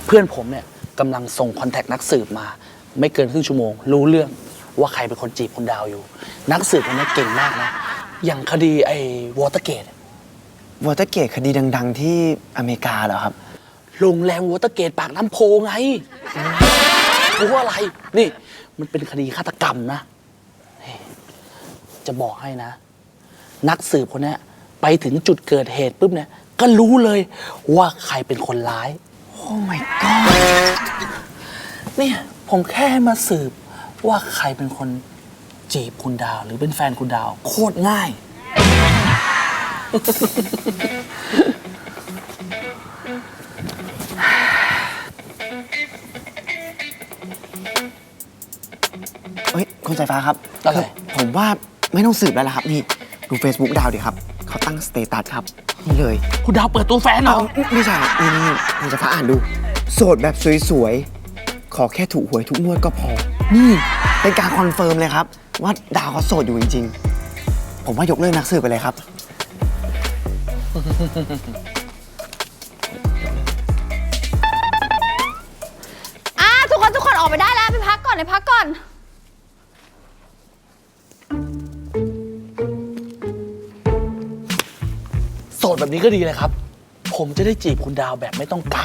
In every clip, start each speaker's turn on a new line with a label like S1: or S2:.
S1: พื่อนผมเนี่ยกำลังส่งคอนแทคนักสืบมาไม่เกินครึ่งชั่วโมงรู้เรื่องว่าใครเป็นคนจีบคุณดาวอยู่นักสืบคนนี้เก่งมากนะอย่างคดีไอ้วอเตอร์เกต
S2: คดีดังๆที่อเมริกาเหรอครับ
S1: โรงแรมวอเตอร์เกตปากน้ำโพไงรู้ว่าอะไรนี่มันเป็นคดีฆาตกรรมนะจะบอกให้นะนักสืบคนนี้ไปถึงจุดเกิดเหตุปุ๊บเนี่ยก็รู้เลยว่าใครเป็นคนร้าย
S2: โอ้ my god
S1: เนี่ยผมแค่มาสืบว่าใครเป็นคนจีบคุณดาวหรือเป็นแฟนคุณดาวโคตรง่าย
S2: เฮ้ยคุณสายฟ้าครับ
S1: อะไร
S2: ผมว่าไม่ต้องสืบแล้วล่ะครับนี่ดู Facebook ดาวดิครับเขาตั้งสเตตัสครับนี่เลย
S1: คุณดาวเปิดตัวแฟนเหรอ
S2: ไม่ใช่นี่คุณสายฟ้าอ่านดูโสดแบบสวยๆขอแค่ถูกหวยทุกงวดก็พอนี่เป็นการคอนเฟิร์มเลยครับว่าดาวเขาโสดอยู่จริงๆผมว่ายกเลิกนักสืบไปเลยครับ
S3: ทุกคนออกไปได้แล้วไปพักก่อน
S1: โสดแบบนี้ก็ดีเลยครับผมจะได้จีบคุณดาวแบบไม่ต้องกัก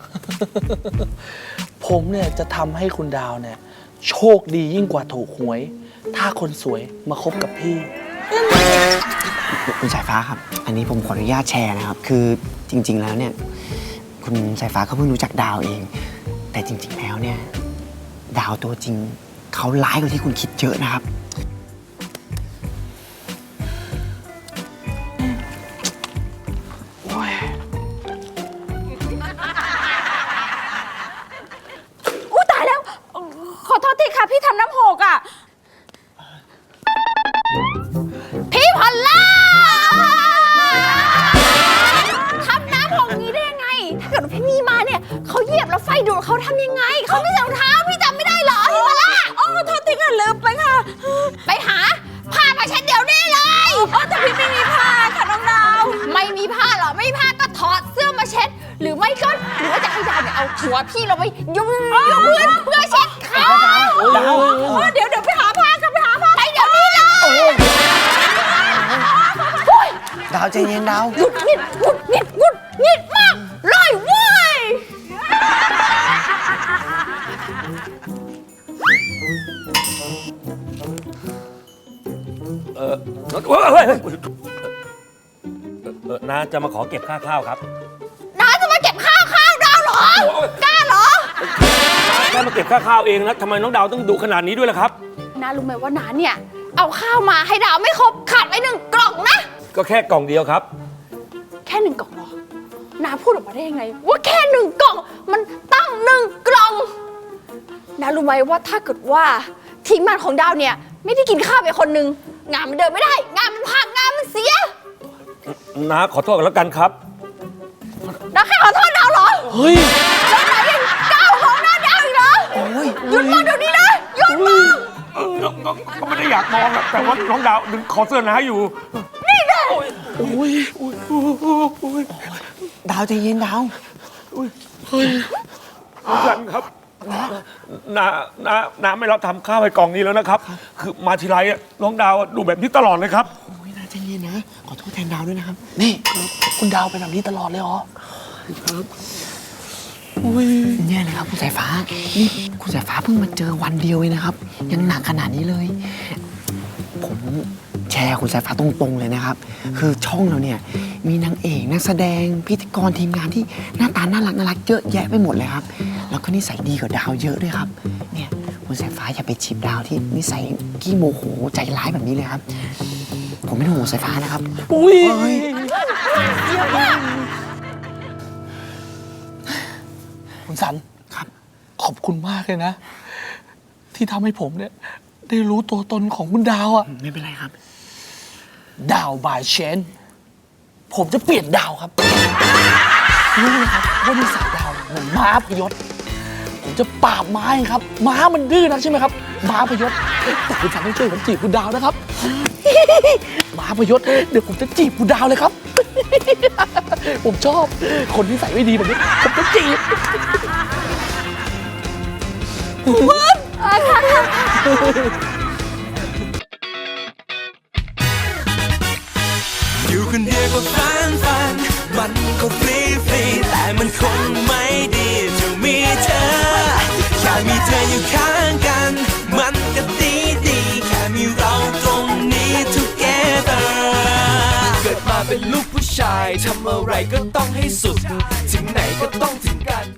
S1: ผมเนี่ยจะทำให้คุณดาวเนี่ยโชคดียิ่งกว่าถูกหวยถ้าคนสวยมาคบกับพี่
S2: คุณสายฟ้าครับอันนี้ผมขออนุญาตแชร์นะครับคือจริงๆแล้วเนี่ยคุณสายฟ้าเขาเพิ่งรู้จักดาวเองแต่จริงๆแล้วเนี่ยดาวตัวจริงเขาร้ายกว่าที่คุณคิดเยอะนะครับ
S3: อู้ตายแล้วขอโทษทีค่ะพี่ทำน้ำหกอ่ะพี่พอลล่าทำน้ำหกนี้ได้ยังไงถ้าเกิดว่าพี่มีมาเนี่ยเขาเหยียบแล้วไฟดูดเขาทำยังไงเขาไม่ใส่รองเท้าพี่จำไม่ได้เหรอพี่พอลล่าโอ้โทษทีค่ะลืมไปค่ะไปหาผ้ามาเช็ดเดี๋ยวนี้เลยแต่พี่ไม่มีผ้าค่ะน้องดาวไม่มีผ้าเหรอไม่มีผ้าก็ถอดเสื้อมาเช็ดหรือไม่ก็หรือว่าจะให้ดาวเนี่ยเอาหัวพี่เราไปยุบเพื่อเช็ดขาดาวเดี๋ยวไปหาผ้ากันไปหาผ้าไปเดี๋ยวนี้เลย
S2: ดาวใจเย็นดาว
S3: หงุดหงิดมากเลยเว้ย
S4: น้าจะมาขอเก็บค่าข้าวครับ
S3: น้าจะมาเก็บข้าวดาวเหรอกล้าเหรอ
S4: แค่มาเก็บค่าข้าวเองนะทำไมน้องดาวต้องดุขนาดนี้ด้วยล่ะครับ
S3: น้ารู้ไหมว่าน้าเนี่ยเอาข้าวมาให้ดาวไม่ครบขาดไป1 กล่องนะ
S4: ก็แค่กล่องเดียวครับ
S3: แค่1 กล่องเหรอน้าพูดออกมาได้ยังไงว่าแค่1 กล่องมันตั้ง1 กล่องน้ารู้ไหมว่าถ้าเกิดว่าทีมงานของดาวเนี่ยไม่ได้กินข้าวไปคนนึงงานมันเดินไม่ได้งานมันพังงานมันเสีย
S4: น้าขอโทษกันแล้วกันครับ
S3: น้าแค่ขอโทษดาวเหรอ
S1: เฮ้ย
S3: แล้วไหนยังก้าวของหน้าดาวอีกเหรอหยุดมองเดี๋ยวนี้นะหยุดมอง
S4: ก็ไม่ได้อยากมองนะแต่ว่าน้องดาวดึงคอเสื้อน้าอยู่
S3: นี่นะ
S2: ดาวใจเย็นดาว
S4: น้องกันครับน้าไม่รับทำข้าวให้กล่องนี้แล้วนะครับคือมาทีไรน้องดาวดูแบบนี้ตลอดเลยครับ
S2: โอ้ยน่าใจเย็นนะขอโทษแทนดาวด้วยนะครับ
S1: นี่คุณดาวเป็นแบบนี้ตลอดเลยเหรอครับ
S2: เนี่ยเลยครับคุณสายฟ้านี่คุณสายฟ้าเพิ่งมาเจอวันเดียวเองนะครับยังหนักขนาดนี้เลยผมแชร์คุณสายฟ้าตรงๆเลยนะครับคือช่องเราเนี่ยมีนางเอกนักแสดงพิธีกรทีมงานที่หน้าตาน่ารักเยอะแยะไปหมดเลยครับแล้วก็นิสัยดีกว่าดาวเยอะด้วยครับเนี่ยคุณสายฟ้าอย่าไปจีบดาวที่นิสัยขี้โมโหใจร้ายแบบนี้เลยครับผมไม่ต้องห่วงสายฟ้านะครับ
S1: คุณสันครับขอบคุณมากเลยนะที่ทำให้ผมเนี่ยได้รู้ตัวตนของคุณดาวอ่ะ
S2: ไม่เป็นไรครับ
S1: ดาวบายเชนผมจะเปลี่ยนดาวครับรู้ไหมครับว่านิสัยดาวเหมือนม้าพยศผมจะปราบม้าครับม้ามันดื้อนะใช่ไหมครับม้าพยศแต่คุณสันต้องช่วยผมจีบคุณดาวนะครับม้าพยศเดี๋ยวผมจะจีบคุณดาวเลยครับผมชอบคนที่ใส่ไม่ดีแบบนี้ผมจะจีบ
S5: อยู่คนเดียวก็ฝันมันก็ฟรีแต่มันคงไม่ดีจะมีเธอแค่มีเธออยู่ข้างกันมันก็ดีแค่มีเราตรงนี้ together เกิดมาเป็นลูกผู้ชายทำอะไรก็ต้องให้สุดถึงไหนก็ต้องถึงกัน